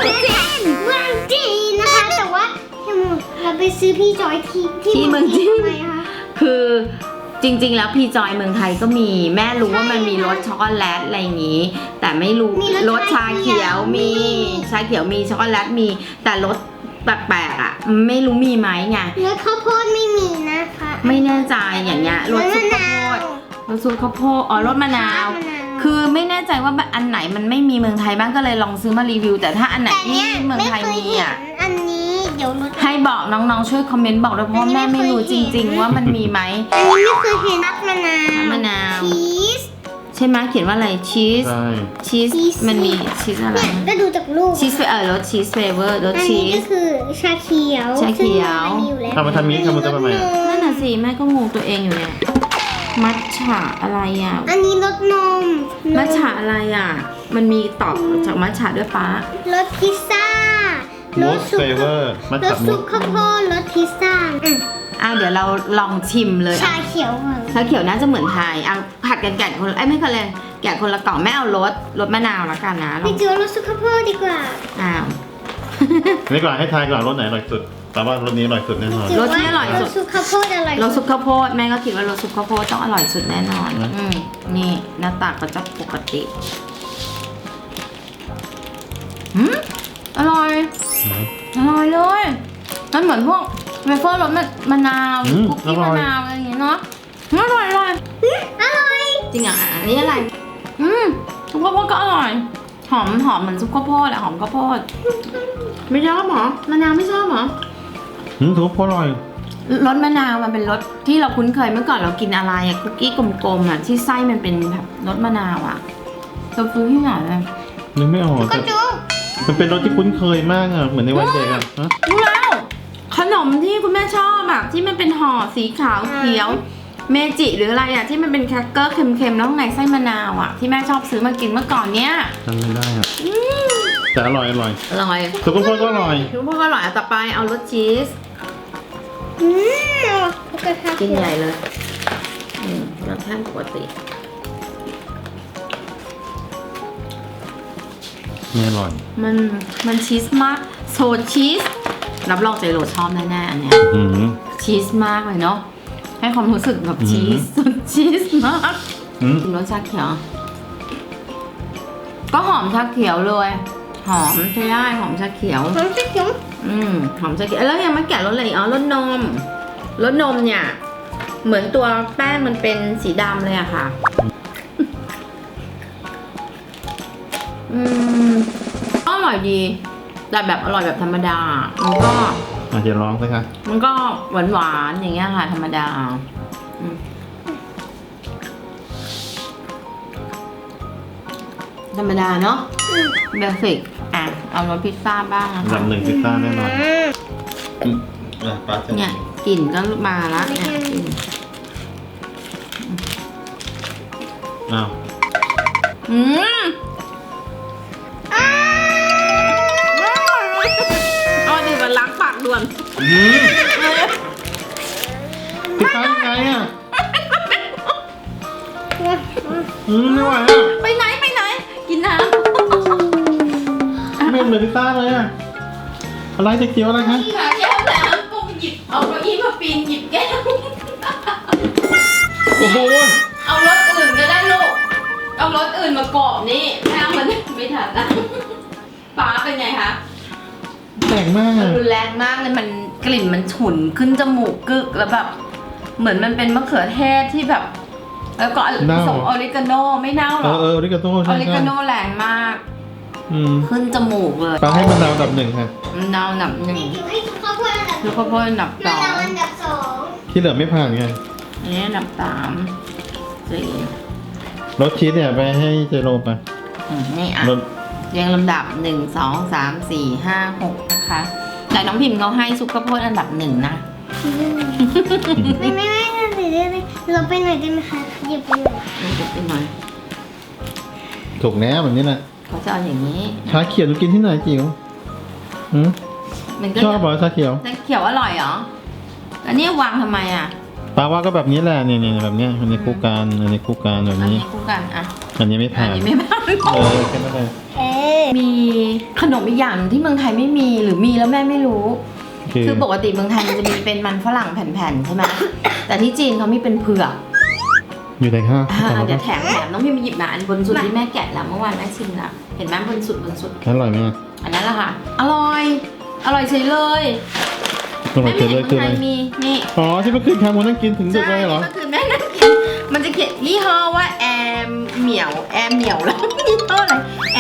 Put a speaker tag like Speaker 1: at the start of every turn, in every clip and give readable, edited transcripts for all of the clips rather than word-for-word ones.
Speaker 1: เมืองจีนนะคะแต่ว่าเราไปซื้อพี่จอยที่เมืองจีนทำไมคะ
Speaker 2: คือจริงๆแล้วพี่จอยเมืองไทยก็มีแม่รู้ว่ามันมีรสช็อกโกแลตอะไรอย่างนี้ แต่ไม่รู้รสชาเขียวมีชาเขียวมีช็อกโกแลตมีแต่รสแปลกๆอ่ะไม่รู้มีไหมไง
Speaker 1: รสข้าวโพดไม่มีนะคะ
Speaker 2: ไม่แน่ใจอย่างเงี้ยรสซุปข้าวโพดรสซุปข้าวโพดอ๋อรสมะนาว คือไม่แน่ใจว่าอันไหนมันไม่มีเมืองไทยบ้างก็เลยลองซื้อมารีวิวแต่ถ้าอันไหนที่เมืองไทยมีอ่ะ
Speaker 1: อันนี้เดี๋ยวรส
Speaker 2: ให้บอกน้องๆช่วยคอมเมนต์บอกด้วยเพราะแม่ไม่รู้จริงๆว่ามันมีไหม
Speaker 1: อันนี้ไม่เคยเห็นน้ำมะนาว
Speaker 2: น้ำมะนาว
Speaker 1: ชีส
Speaker 2: ใช่ไหมเขียนว่าอะไรชีส
Speaker 3: ใช่
Speaker 2: ชีสมันมีชีสอะไร
Speaker 1: เนี่ยก็ดูจากรูป
Speaker 2: ชีสรสชีสเฟเวอร์รส
Speaker 1: อัน
Speaker 2: ชี
Speaker 1: นี้ก็
Speaker 2: ส
Speaker 1: คือชาเขียว
Speaker 2: ชาเขียว
Speaker 1: ซึ่งมันมีอยู่แล้ว
Speaker 3: ทำมาทำนี้ทำมาทำไมอ่ะ
Speaker 2: นั่นน่ะสิแม่ก็งงตัวเองอยู่เนี่ยมัทฉะอะไรอ่ะ
Speaker 1: อันนี้รสนม
Speaker 2: มัทฉะอะไรอ่ะมันมีตอบจากมัทฉะด้วยป้าร
Speaker 1: สพิซซ่า
Speaker 3: มูสเฟเวอร์มั
Speaker 1: ร
Speaker 3: ท
Speaker 1: ส
Speaker 3: ฉะมู
Speaker 1: ซุ
Speaker 3: ส
Speaker 1: ปข้าวโพดรสพิซซ่า
Speaker 2: เดี๋ยวเราลองชิมเลย
Speaker 1: ชาเขียวค่ะ
Speaker 2: ชาเขียวน่าจะเหมือนไทยเอาผัดกันแกะคนละไม่คนเลยแกะคนละกล่องแม่เอารสมะนาวละกันนะล
Speaker 1: ไป
Speaker 2: อง
Speaker 1: เจอรสซุปข้าวโพดดีกว่า
Speaker 2: อ้าว
Speaker 3: นี่ก่อนให้ทายก่อนรสไหนอร่อยสุดแต่ว่ารสนี้อร่อยสุดแน่นอน
Speaker 2: รสที่อร่อยสุด
Speaker 1: รสซุปข้าวโพดอร่อย
Speaker 2: รสซุปข้าวโพดแม่ก็คิดว่ารสซุปข้าวโพดต้องอร่อยสุดแน่นอน
Speaker 3: นะ
Speaker 2: นี่หน้าตาก็จะปกติอร่อยอร่อยเลยมันเหมือนพวกเวเฟอร์รสมะนาวคุกกี้มะนาวอะไรอย่างเงี้ยเนาะอร่อย
Speaker 1: อร่อย
Speaker 2: จริงอ่ะอันนี้อะไรซุปข้าวโพดก็อร่อยหอมเหมือนซุปข้าวโพดอะหอมข้าวโพดไม่ชอบเหรอมะนาวไม่ชอบเหรอ
Speaker 3: ทุกคนอร่อย
Speaker 2: รสมะนาวมันเป็นรสที่เราคุ้นเคยเมื่อก่อนเรากินอะไรอะคุกกี้กลมๆอะที่ไส้มันเป็นแบบรสมะนาวอะเราซื้อที่ไหนอะ
Speaker 3: นึกไม่ออก
Speaker 1: ก็
Speaker 3: แต่
Speaker 1: ดู
Speaker 3: มันเป็นรสที่คุ้นเคยมากอ่ะเหมือนในวันเด็กอ่ะฮะ
Speaker 2: รู้แล้วขนมที่คุณแม่ชอบอะที่มันเป็นห่อสีขาวเขียวเมจิหรืออะไรอะที่มันเป็นแครกเกอร์เค็มๆแล้วข้างในไส้มะนาวอะที่แม่ชอบซื้อมากินเมื่อก่อนเนี้ย
Speaker 3: จำไม่ได้อ่ะแต่อร่อยอร่อย
Speaker 2: อร่อย
Speaker 3: ทุกคนก็อร่อย
Speaker 2: ทุกคนก็อร่อยต่อไปเอารสชีส
Speaker 1: กระทะ
Speaker 2: กินใหญ่เลยรสชาติปกติ
Speaker 3: ไม่อร่อย
Speaker 2: มันชีสมากโซชีสรับรองใจโรชอบแน่ๆอันเนี้ย
Speaker 3: อืม
Speaker 2: ชีสมากเลยเนาะให้ความรู้สึกแบบชีสชีสมากรสชาเขียวก็หอมชาเขียวเลยหอมใช่ได้หอมชาเขียว
Speaker 1: หอมชาเขียว
Speaker 2: หอมชาเขียวแล้วยังไม่แกะรสอะไรอีกอ๋อรสนมเนี่ยเหมือนตัวแป้งมันเป็นสีดำเลยอะค่ะก็อร่อยดีแต่แบบอร่อยแบบธรรมดามันก็
Speaker 3: อาจจะร้องสิคะ
Speaker 2: มันก็หวานๆอย่างเงี้ยค่ะธรรมดาธรรมดาเนาะเบสิกเอารสพิซซ่าบ้างนะ
Speaker 3: อันดั
Speaker 2: คะ
Speaker 3: บหนึ่งพิซซ่าแน่นอนปลาจะ
Speaker 2: เนี่ยกลิ่นก็มาละเนี่ยกลิ่น
Speaker 3: อ้าว
Speaker 2: เอาดิมันล้างปากด่วน
Speaker 3: พิซซ่ายังไงอ่ะไม่ไหวอ่ะ
Speaker 2: ไปไหนกินน้
Speaker 3: ไม่เหมือนพิซซ่าเลยอ่ะอะไรจะเกี่ยวอะไรคะ
Speaker 2: ำขาแก้วน้ำก็หยิบเอาเก้าอี้มาปีนหยิบแก้ว
Speaker 3: โอ้โห
Speaker 2: เอารถอื่นก็ได้ลูกเอารถอื่นมากรอบนี่แม่มันไม่ทันนะป้าเป็นไงคะ
Speaker 3: แปลกมากอ่ะ
Speaker 2: รุนแรงมากเลยมันกลิ่นมันฉุนขึ้นจมูกกึกแล้วแบบเหมือนมันเป็นมะเขือเทศที่แบบ แล้วก็ผสมออริกาโนไม่เน่าหรอก
Speaker 3: ออริกาโต้
Speaker 2: อ
Speaker 3: ใช่
Speaker 2: อริกาโนแรงมาก ขึ้นจมูกเลย
Speaker 3: ปลาให้มันดาวอันดับหนึ่งค่ะ
Speaker 2: มันดาวอันดับหนึ่ง
Speaker 1: ให้ข้าวโพดอันดับ
Speaker 2: คือข้าวโพดอันดับส
Speaker 1: มะ
Speaker 2: อง
Speaker 1: นาวอันดับสอง
Speaker 3: ที่เหลือไม่ผ่านไง
Speaker 2: อันนี้อันดับสามสี่
Speaker 3: รสชีสเนี่ยไปให้เจโรไป
Speaker 2: นี่อ่ะ
Speaker 3: รส
Speaker 2: เรียงลำดับ1 2 3 4 5 6นะคะแต่น้องพิมพ์เขาให้ซุปข้าวโพดอันดับหนึ่งนะ
Speaker 1: ไม่เลยเราไปหน่อยได้ไหมคะหยิบไปหน่อย
Speaker 2: มันจะเป็นหน่อย
Speaker 3: ถูกแล้วแบบนี้แหละ
Speaker 2: เขาจะเอาอย่างนี้
Speaker 3: ชาเขียวหนูกินที่ไหนจิ๋วหืม
Speaker 2: มันก็
Speaker 3: ชอบเหรอชาเขียว
Speaker 2: จะเขียวอร่อยเหรออันนี้วางทำไมอ่ะ
Speaker 3: ปลาว่าก็แบบนี้แหละเนี่ยแบบเนี้ยอันนี้คู่กันอันนี้คู่กันแบบ
Speaker 2: อัน
Speaker 3: นี้
Speaker 2: นี้คู่กันอ่ะ
Speaker 3: อันนี้ไม่ผ่าน
Speaker 2: อันนี้ไม่ผ่าน
Speaker 3: แค่นั้นเลย
Speaker 2: มีขนมอีกอย่างหนึ่งที่เมืองไทยไม่มีหรือมีแล้วแม่ไม่รู้ คือปกติเมืองไทยมันจะมีเป็นมันฝรั่งแผ่นๆใช่ไหมแต่ที่จีนเขามีเป็นเผือก
Speaker 3: อยู่ไหนคะ
Speaker 2: เดี๋ยวแถมน้องพิมพ์หยิบมาอันบนสุดที่แม่แกะแล้วเมื่อวานแม่ชิมแล้วเห็นไหมบนสุด
Speaker 3: อร่อยไหม
Speaker 2: อันนั้นแหละค่ะอร่อยเฉยเลย
Speaker 3: อร่อยเจ๋งเลยคืออะไร
Speaker 2: มีนี่
Speaker 3: อ๋อที่เมื่อคืนทำวันนั่งกินถึงดึกเลยเหรอ
Speaker 2: ก็คือแม่นั่งกินมันจะเขียนยี่ห้อว่าแอมเหมียวแล้วยี่ห้ออะไร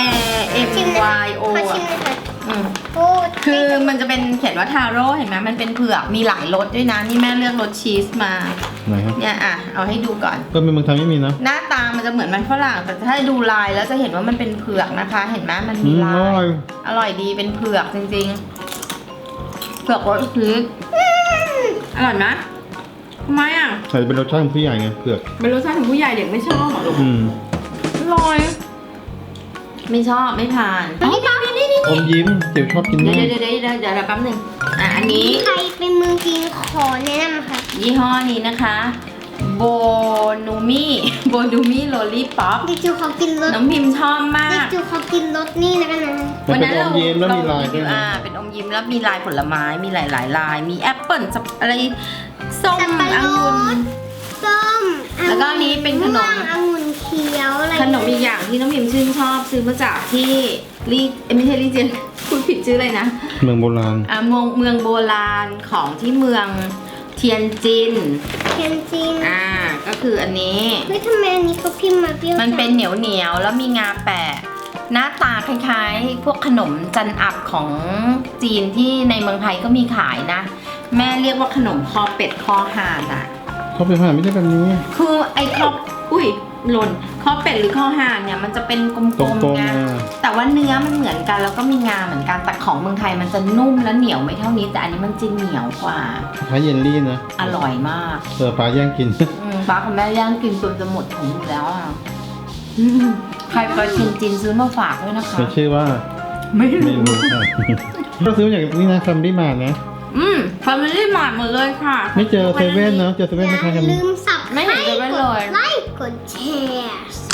Speaker 2: MYO
Speaker 1: ขอชิมเลยค่ะโอ้
Speaker 2: คือมันจะเป็นเขียนว่าทาโร่เห็นไหมมันเป็นเผือกมีหลายรสด้วยนะนี่แม่เลือกรสชีสมา
Speaker 3: ไหนครับ
Speaker 2: เนี่ยเอาให้ดูก่อน
Speaker 3: ก็เป็นเมืองไทยไม่มีนะ
Speaker 2: หน้าตามันจะเหมือนมันฝรั่งแต่ถ้าดูลายแล้วจะเห็นว่ามันเป็นเผือกนะคะ เห็นไหมมันมีลา
Speaker 3: อร่อย ย
Speaker 2: อร่อยดีเป็นเผือกจริงๆเผือกรสชีสอร่อยนะทำไมอ่ะ
Speaker 3: ใส่เป็นรสชาติของผู้ใหญ่ไงเผือก
Speaker 2: เป็นรสชาติของผู้ใหญ่เด็กไม่ชอบหรอลูก อร่อย ไม่ชอบไม่ทานนี่
Speaker 3: อมยิ้มเจียวชอบกิน
Speaker 2: เดี๋
Speaker 3: มาก
Speaker 2: ยวแป๊บหนึงอันนี้
Speaker 1: ใครเป็นเมืองจีนขอแนะนำค่ะ
Speaker 2: ยี่ห้อนี้นะคะโบนูมี่โลลี่ป๊อป
Speaker 1: เด็กจิ๋วขอกินรส
Speaker 2: น้องพิมพ์ชอบมา
Speaker 1: เด็ก
Speaker 2: ก
Speaker 1: จิ๋วขอกินรสนี่นะกันนะ
Speaker 3: มันเป็นอมยิ้มแล้วมีลายด้วยนะ
Speaker 2: เป็นอมยิ้มแล้วมีลายผลไม้มีหลายลาย มีแอปเปิ้ลอะไรส้ม
Speaker 1: สับปะร
Speaker 2: องุ่น
Speaker 1: ดส้ม
Speaker 2: แล้วก็อันนี้เป็นขนม
Speaker 1: องุ่นเขียวอะไร
Speaker 2: ขนมอีกอย่างที่น้องพิมพ์ชื่นชอบซื้อมาจากที่ไม่ใช่ลี่เจียนพูดผิดชื่อเลยนะ
Speaker 3: เมืองโบราณ
Speaker 2: เมืองโบราณของที่เมืองเทียนจิน
Speaker 1: เทียนจีน
Speaker 2: ก็คืออันนี้
Speaker 1: เฮ้ยทำไมอันนี้เขาพิมพ์มาเปรี้ยว
Speaker 2: มันเป็นเหนียวแล้วมีงาแปะหน้าตาคล้ายๆ พวกขนมจันอับของจีนที่ในเมืองไทยก็มีขายนะ แม่เรียกว่าขนมคอเป็ดคอห่านอ่ะ
Speaker 3: เขาเป็นผ่านไม่ได้แบบนี้
Speaker 2: คือไอ้หล่นคอเป็ดหรือคอห่านเนี่ยมันจะเป็นกล
Speaker 3: ตร
Speaker 2: ม
Speaker 3: ง
Speaker 2: ๆไง
Speaker 3: ๆ
Speaker 2: แต่ว่าเนื้อมันเหมือนกันแล้วก็มีงาเหมือนกันแต่ของเมืองไทยมันจะนุ่มและเหนียวไม่เท่านี้แต่อันนี้มันจะเหนียวกว่า
Speaker 3: คล้ายเยลลี่นะ
Speaker 2: อร่อยมาก
Speaker 3: ปลาย่างกิน
Speaker 2: ป้ากับแม่ย่างกินจนจะหมดถุงอยู่แล้วอ่ะใครไปจีนซื้อมาฝากด้วยนะคะ
Speaker 3: เป็นชื่อว่า
Speaker 2: ไม่
Speaker 3: ไม่รู้ค่ะ ก็ซื้ออย่างนี้นะคัมบี้มานะ
Speaker 2: ฟามิลี่มาร์ทหมดเลยค่ะ
Speaker 3: ไม่เจอเซเว่นเนาะเจอเซเว่นไม่
Speaker 1: อ
Speaker 3: ใช่
Speaker 1: ย่า
Speaker 3: คัม
Speaker 1: ลื
Speaker 3: บี้
Speaker 1: มสับ
Speaker 2: ไม่เห็นจะเป็นเลย
Speaker 1: ไลค์กดแชร์